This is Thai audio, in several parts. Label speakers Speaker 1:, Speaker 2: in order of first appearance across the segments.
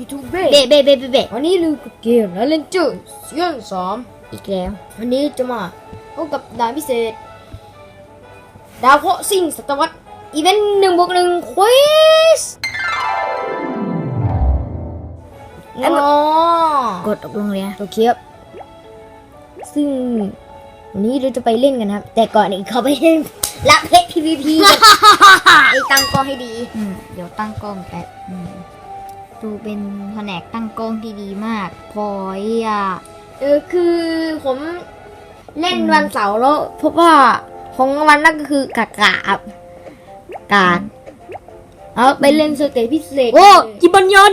Speaker 1: ยูทูบเบ
Speaker 2: เบะ
Speaker 1: วันนี้ลืมกับเกมแล้วเล่นเจอซีซั่น3
Speaker 2: อีกแล้ว
Speaker 1: วันนี้จะมาพบกับด่านพิเศษดาวเคราะห์ซิ่งศตวรรษอีเวนต์1+1ควิส
Speaker 2: กดตกลงเลย
Speaker 1: โอเคครับซึ่งวันนี้เราจะไปเล่นกันครับ แต่ก่อนเขาไปเล่นลักเพชร PVP ไอ้ตั้งกล้องให้ดี
Speaker 2: เดี๋ยวตั้งกล้องแป๊บดูเป็นแผนกตั้งกล้องที่ดีมากพอย
Speaker 1: คือผมเล่นวันเสาร์แล้วพบว่าของวันนั่นก็คือกากเอาไปเล่นสเตจพิเศษ
Speaker 2: โอ้จิบันยอน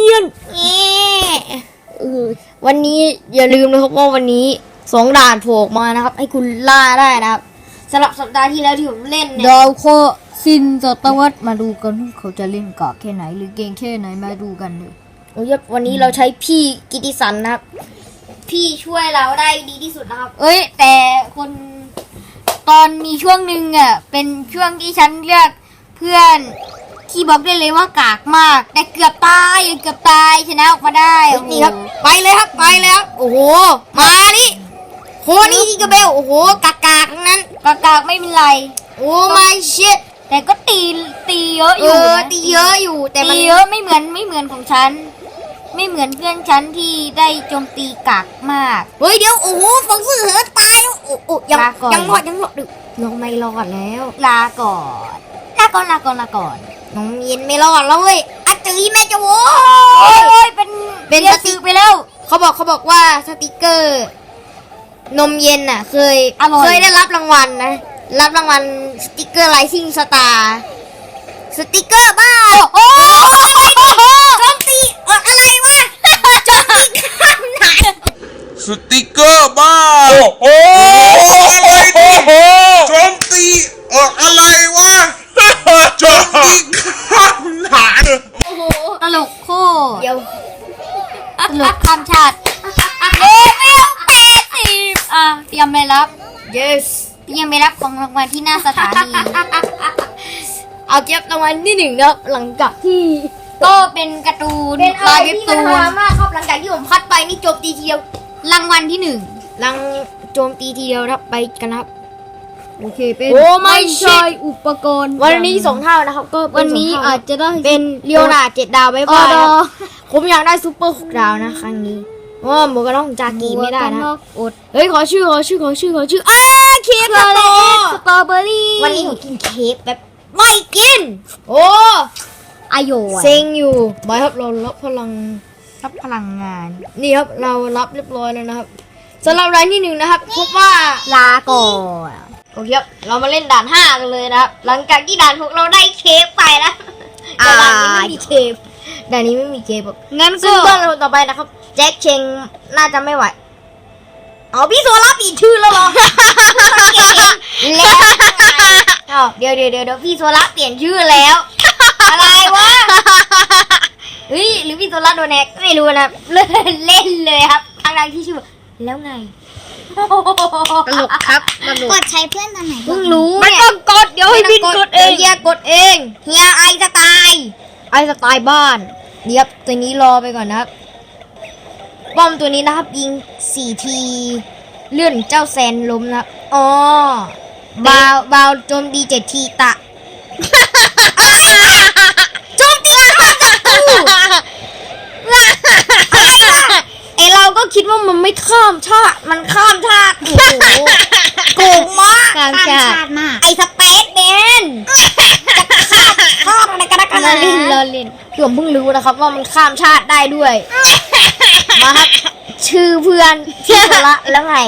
Speaker 1: วันนี้อย่าลืมนะครับว่าวันนี้2ด่านโผล่มานะครับให้คุณล่าได้นะครับสำหรับสัปดาห์ที่แล้วที่ผมเล่นเนี่ย
Speaker 2: ดาวเคราะห์ซินศตวรรษมาดูกันเขาจะเล่นกากแค่ไหนหรือเก่งแค่ไหนมาดูกันเลย
Speaker 1: วันนี้เราใช้พี่กิติสันนะครับพี่ช่วยเราได้ดีที่สุดนะครับ
Speaker 2: แต่คนตอนมีช่วงหนึ่งเป็นช่วงที่ฉันเลือกเพื่อนที่บอกได้เลยว่ากากมากแต่เกือบตายชนะออกมาได้
Speaker 1: นี่ครับไปเลยครับโอ้โหมาดิโคนี่กระเบลโอ้โหกากทั้งนั้น
Speaker 2: กากไม่เป็นไร
Speaker 1: โอ้ไม่ชิด
Speaker 2: แต่ก็ตีเยอะอยู่
Speaker 1: ตีเยอะอยู่แต่
Speaker 2: มันเยอะไม่เหมือนของฉันไม่เหมือนเพื่อนฉันที่ได้โจมตีกากมาก
Speaker 1: เดี๋ยวโอ้โหฟองเสือตายโอ้ยังรอดดึกน้องไม่รอดแล้ว
Speaker 2: ลาก่อน
Speaker 1: น้องเย็นไม่รอดแล้วเว้ยอาจือแม่จะโว้
Speaker 2: ยเป็นสติไปแล้ว
Speaker 1: เขาบอกว่าสติกเกอร์นมเย็นน่ะเคยได้รับรางวัลนะรับรางวัลสติกเกอร์ไลซิ่งสตาร์สติกเกอร์บ้าโจมตีอะไรวะโจมตีข้ามไหน
Speaker 3: สติกเกอร์บ้าโจมตีอะไรวะโจมตีข้ามไหน
Speaker 2: ตลกโคตร
Speaker 1: เดี๋ยว
Speaker 2: ตลกข้ามชาติเตรียมไปรับ
Speaker 1: yes
Speaker 2: เตรียมไปรับของรางวัลที่หน้าสถานี
Speaker 1: เอาเก็บรางวัลที่1ครับหลังจากที่
Speaker 2: ก็เป็นการ์ตูน
Speaker 1: ลายเว็บตูนมากครับหลังจากที่ผมพัดไปนี่โจมตีทีเดียว
Speaker 2: รางวัลที่
Speaker 1: โจมตีทีเดียวครับไปกันครับ
Speaker 2: โอเคเป็นไม่ใช่อุปกรณ์
Speaker 1: วันนี้2เท่านะครับก็
Speaker 2: วันนี้อาจจะได้
Speaker 1: เป็นเลียวนา7ดาวไปบ้างผมอยากได้ซุปเปอร์6ดาวนะครั้งนี้ว่าหมูกระต้องจากีไม่ได้นะขอชื่อเค้กส
Speaker 2: ตรอเบอรี่
Speaker 1: วันนี้ผมกินเค้กแบบไม่กิน
Speaker 2: อโย
Speaker 1: เซ็งอยู่บายครับเรารับพลัง
Speaker 2: งาน
Speaker 1: นี่ครับเรารับเรียบร้อยแล้วนะครับสำหรับรายที่1นะครับพบว่า
Speaker 2: ลาก่อน
Speaker 1: โอเคครับเรามาเล่นด่าน5กันเลยนะครับหลังจากที่ด่าน6เราได้เค้กไปแล้วแต่ด่านนี้ไม่มีเค้ก
Speaker 2: งั้นก็
Speaker 1: เพื่อนเราต่อไปนะครับแจ็คเชงน่าจะไม่ไหวพี่โซล่าเปลี่ยนชื่อแล้วเหรอแล้วเดี๋ยวพี่โซล่าเปลี่ยนชื่อแล้วอะไรวะหรือพี่โซล่าโดนแฮกไม่รู้นะเล่นเลยครับทางที่ชื่อแล้วไง
Speaker 2: ตลกครับ
Speaker 4: กดใช้เพื่อนตอนไหน
Speaker 1: เพิ่งรู้
Speaker 2: ไม่ต้องกดเดี๋ยวให้พี่กดเอง
Speaker 1: เฮียกดเองเฮียไอสไตล์บ้านเดี๋ยวตัวนี้รอไปก่อนนะครับป้อมตัวนี้นะครับยิง4ทีเลื่อนเจ้าแซนล้มนะบาวโจมตี7ทีตะโจมตีเราก็คิดว่ามันไม่ข้ามชาติมันข้ามชาติโกงมาก
Speaker 2: ข้ามชาติมาก
Speaker 1: ไอสเปซแมนจะข้ามอะไรกัน
Speaker 2: เราเล่น
Speaker 1: ผมเพิ่งรู้นะครับว่ามันข้ามชาติได้ด้วยมาครับชื่อเพื่อนชื่อละแล้วไง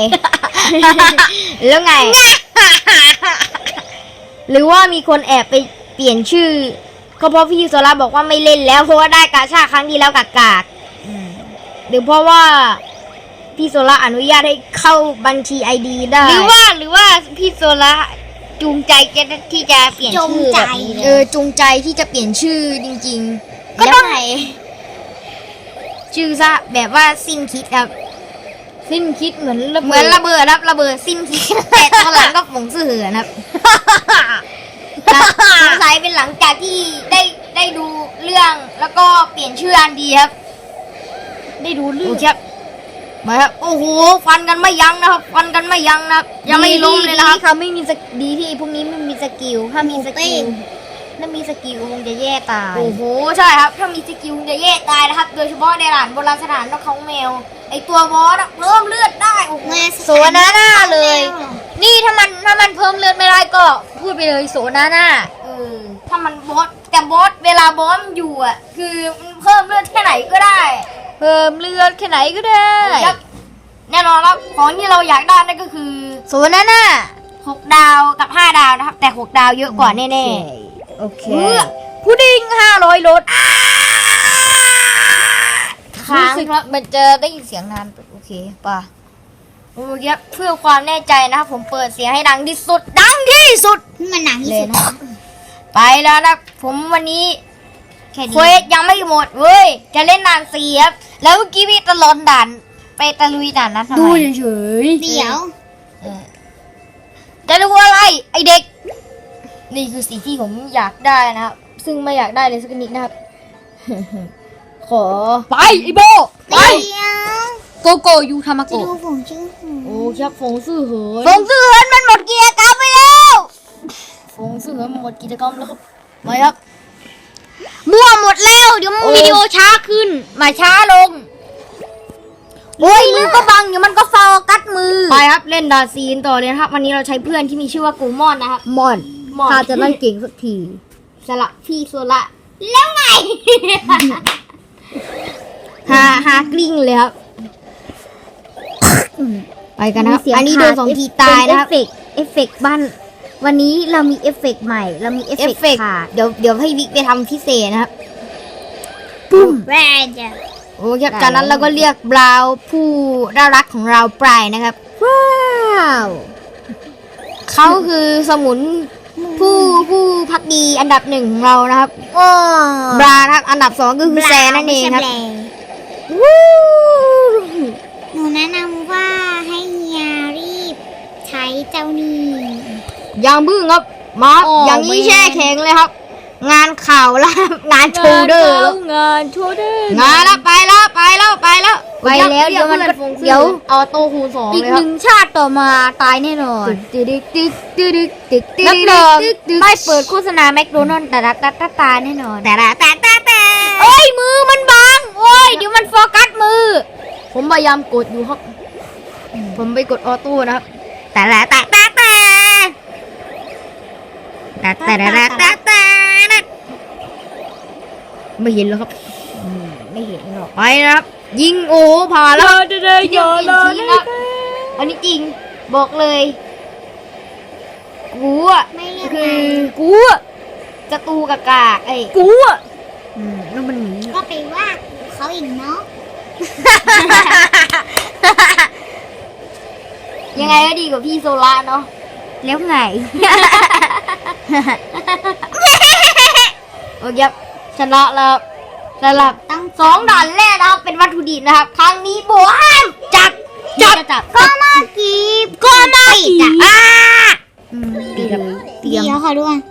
Speaker 1: หรือว่ามีคนแอบไปเปลี่ยนชื่อก็เพราะพี่โซล่าบอกว่าไม่เล่นแล้วเพราะว่าได้กาชาครั้งที่แล้วกากหรือเพราะว่าพี่โซล่าอนุญาตให้เข้าบัญชี ID ได้
Speaker 2: หรือว่าพี่โซล่าจูงใจที่จะเปลี่ยนชื่อแบบนี้
Speaker 1: จูงใจที่จะเปลี่ยนชื่อจริงๆ
Speaker 2: ก็ต้อง
Speaker 1: ชื่อซะแบบว่าสิ้นคิดครับ
Speaker 2: สิ้นคิดเหมือน
Speaker 1: ระเบิดครับระเบิดสิ้นคิดแต่ตอนหลังก็ผงเสือนะครับสงสัยเป็นหลังจากที่ได้ดูเรื่องแล้วก็เปลี่ยนชื่ออันดีครับ
Speaker 2: ได้ดูเรื่
Speaker 1: โอ
Speaker 2: อง
Speaker 1: เคครับมาครับโอ้โหฟันกันไม่ยั้งนะครับฟันกันไม่ยั้งนะครับยังไม่ล้มเลยนะครับ
Speaker 2: ดีเขาไม่มีสกิลดีที่พวกนี้ไม่มีสกิลถ้ามีสกิลคงจะแย่ตาย
Speaker 1: โอ้โหใช่ครับถ้ามีสกิลจะแยกตายนะครับ โดยเฉพาะในด่านโบราณสถานนกเขาแมวไอตัวบอสอะเพิ่มเลือดได้โอ้โห
Speaker 2: โซนาน่าเลย นี่ถ้ามันเพิ่มเลือดไม่ได้ก็พูดไปเลยโซนาน่า
Speaker 1: ถ้ามันบอสแต่บอสเวลาบอสมันอยู่อ่ะคือมันเพิ่มเลือดแค่ไหนก็ได้
Speaker 2: เพิ่มเลือดแค่ไหนก็ได้
Speaker 1: ครับแน่นอนครับของที่เราอยากได้นั่นก็คือ
Speaker 2: โซนาน่า
Speaker 1: 6 ดาวกับ 5 ดาวนะครับ แต่ 6 ดาวเยอะกว่าแน่
Speaker 2: โอเคพุดดิ้ง500รส
Speaker 1: ๆค้าง
Speaker 2: รู้สึก
Speaker 1: ครับ
Speaker 2: มันจะได้ยินเสียงนานโอเคป่ะ
Speaker 1: โอ้ยครับเพื่อความแน่ใจนะครับผมเปิดเสียงให้ดังที่สุดดังที่สุด
Speaker 2: มันหนังที่สุด
Speaker 1: ไปแล้วนะผมวันนี้
Speaker 2: แค่
Speaker 1: เควสยังไม่หมดเว้ยจะเล่นด่าน4ครับแล้วเมื่อกี้พี่ตะลอนด่านไปตะลุยด่านนั้นทำไม
Speaker 2: เฉย
Speaker 1: เดี๋ยวจะดูอะไรไอเด็ก นี่คือสิ่งที่ผมอยากได้นะครับ ซึ่งไม่อยากได้เลยสักนิดนะครับ ขอ
Speaker 2: ไปไอโบไปโกโกยูทามาโกะ
Speaker 1: โอ้ครับฟงซื่อเหิน
Speaker 2: ฟงซื่อเหินมันหมดกิจกรรมไปแล้ว
Speaker 1: ฟงซื่อเหินหมดกิจกรรมแล้วครับมาครับ
Speaker 2: มั่วหมดแล้วเดี๋ยว
Speaker 1: โอ้
Speaker 2: วิดีโอช้าขึ้นมาช้าลงโอ้ยมือก็บังเดี๋ยวมันก็โฟกัสมือ
Speaker 1: ไปครับเล่นดาซีนต่อเลยนะครับ วันนี้เราใช้เพื่อนที่มีชื่อว่ากูมอนนะครับ
Speaker 2: มอน
Speaker 1: มอน
Speaker 2: ถ้าจะเล่นเก่งสักที
Speaker 1: สละพี่โซละแล้วไง ฮากลิ้งเลยครับ ไปกันนะครับ อันนี้โดน2 ทีตายนะครับ
Speaker 2: เอฟเฟกต์บ้านวันนี้เรามีเอฟเฟกต์ใหม่เรามีเอฟ
Speaker 1: เอฟ
Speaker 2: เฟ
Speaker 1: เฟ
Speaker 2: ก
Speaker 1: ก
Speaker 2: ต์
Speaker 1: ต์
Speaker 2: ขาด
Speaker 1: เดี๋ยวให้วิกไปทำพิเศษนะครับ
Speaker 2: ปุ้ม
Speaker 1: โอ้ครับจากนั้นเราก็เรียกบราวน์ผู้น่ารักของเราไปนะครับ
Speaker 2: ว้าว
Speaker 1: เขาคือสมุนผู้พักดีอันดับ 1ของเรานะครับ
Speaker 2: ว้า
Speaker 1: บรานะครับอันดับ 2 ก็คือแซนนั่นเองครับ
Speaker 2: วู้
Speaker 4: หนูแนะนำว่าให้เฮียรีบใช้เจ้านี่
Speaker 1: อย่างบึ้งครับมาครับอย่างนี้แช่แข็งเลยครับ งานข่าวแล้วครับงานโชว์เดอร์แล้ว
Speaker 2: งานโชว์เดอร์
Speaker 1: งานแล้วไปแล้ว
Speaker 2: ไปแล้วเดี๋ยวมันก็เดี๋ยว
Speaker 1: เอาโต้คูณ2
Speaker 2: อีก
Speaker 1: เลย
Speaker 2: ห
Speaker 1: ครับ
Speaker 2: นึ่งชาติต่อมาตายแน่นอน
Speaker 1: ตึกตึกตึกตึกตึกตึก
Speaker 2: นักเดิม
Speaker 1: ตึก
Speaker 2: ไม่เปิดโฆษณาแมคโดนัลด์แต่ตายแน่นอน
Speaker 1: แต่
Speaker 2: เอ้ยมือมันบังโอ้ยเดี๋ยวมันโฟกัสมือ
Speaker 1: ผมพยายามกดอยู่ครับ ผมไปกดออโต้นะครับ ไม่เห็นแล้วครับ
Speaker 2: ไม่เห็นหรอก
Speaker 1: ไปนะครับ ยิงโอ้ผ่านแล้วครับ
Speaker 2: เดี๋ยว
Speaker 1: ยิงจริงๆครับอันนี้จริงบอกเลยกูอ่ะ
Speaker 4: ไม่เรียก
Speaker 1: คือ
Speaker 2: กูอะ
Speaker 1: ศัตรูกากาไอ้
Speaker 2: กูอะแล้วมันหนี
Speaker 4: ก็ไปว่าเขาอีกเนาะ
Speaker 1: ยังไงก็ดีกว่าพี่โซล่าเนาะ
Speaker 2: แล้วไง
Speaker 1: โอเคครับชนะแล้วสำหรับ
Speaker 4: ต้อง
Speaker 1: 2 ด่านแรกนะครับเป็นวัตถุดิบนะครับ ครั้งนี้โบห้ามจับ
Speaker 4: ก็มากีบก็มากีบ
Speaker 1: อ่ะ
Speaker 2: ดีเลย
Speaker 4: เดี๋ยวขอดูก่อน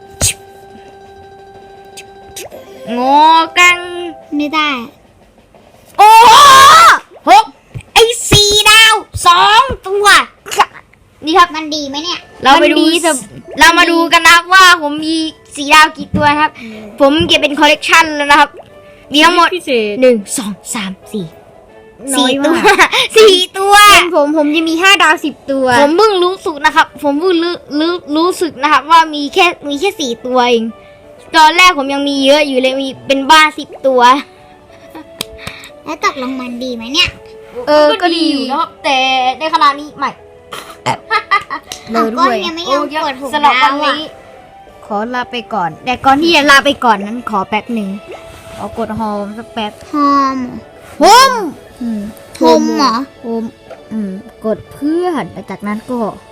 Speaker 1: งอกัง
Speaker 4: ไม่ได้
Speaker 1: โอ้โหไอ้4 ดาว 2 ตัวนี่ครับ
Speaker 4: มันดีไหมเนี่ย
Speaker 1: เราไปดูเรามาดูกันนะครับว่าผมมี4 ดาวกี่ตัวนะครับ ผมเก็บเป็นคอลเลกชันแล้วนะครับ มีทั้งหมด
Speaker 2: พิเศษ
Speaker 1: 1 2 3 4
Speaker 2: น้อย
Speaker 1: 4 ตัว
Speaker 2: มาก
Speaker 1: 4 ตัว
Speaker 2: ผมจะมี5 ดาว 10 ตัว
Speaker 1: ผมเพิ่งรู้สึกนะครับ ผมเพิ่งรู้สึกนะครับ ว่ามีแค่4 ตัวเองตอนแรกผมยังมีเยอะอยู่เลยมีเป็นบ้า10 ตัว
Speaker 4: แล้วตกลงมันดีไหมเนี่ย
Speaker 1: ก็ดีอยู่นะครับ แต่ในขณะนี้ไม่
Speaker 2: เลย
Speaker 4: ก้
Speaker 2: ด้
Speaker 4: น
Speaker 2: วย
Speaker 4: ยังไม่ยอมกดถูก
Speaker 1: สำหรับ
Speaker 4: ดา
Speaker 1: วัน
Speaker 4: วอ่ะ
Speaker 1: นี้
Speaker 2: ขอลาไปก่อน แต่ก่อนที่จะลาไปก่อนนั้นขอแป๊บหนึ่งขอกดโฮมสักแป๊บ
Speaker 4: หอม
Speaker 2: โฮม
Speaker 4: โฮมเหรอ
Speaker 2: โฮมกดเพื่อนแล้วจากนั้นก็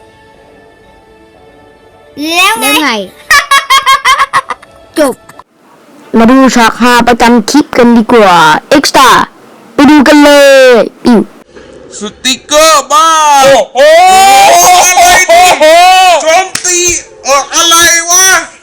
Speaker 4: แล้วไง
Speaker 2: แล้วไง จบ มาดูฉากฮาประจำคลิปกันดีกว่า เอ็กซ์ตร้าไปดูกันเลยปิ้ว
Speaker 3: สติกเกอร์บ้าโอ้โหอะไรเนี่ยโจมตีอะไรวะ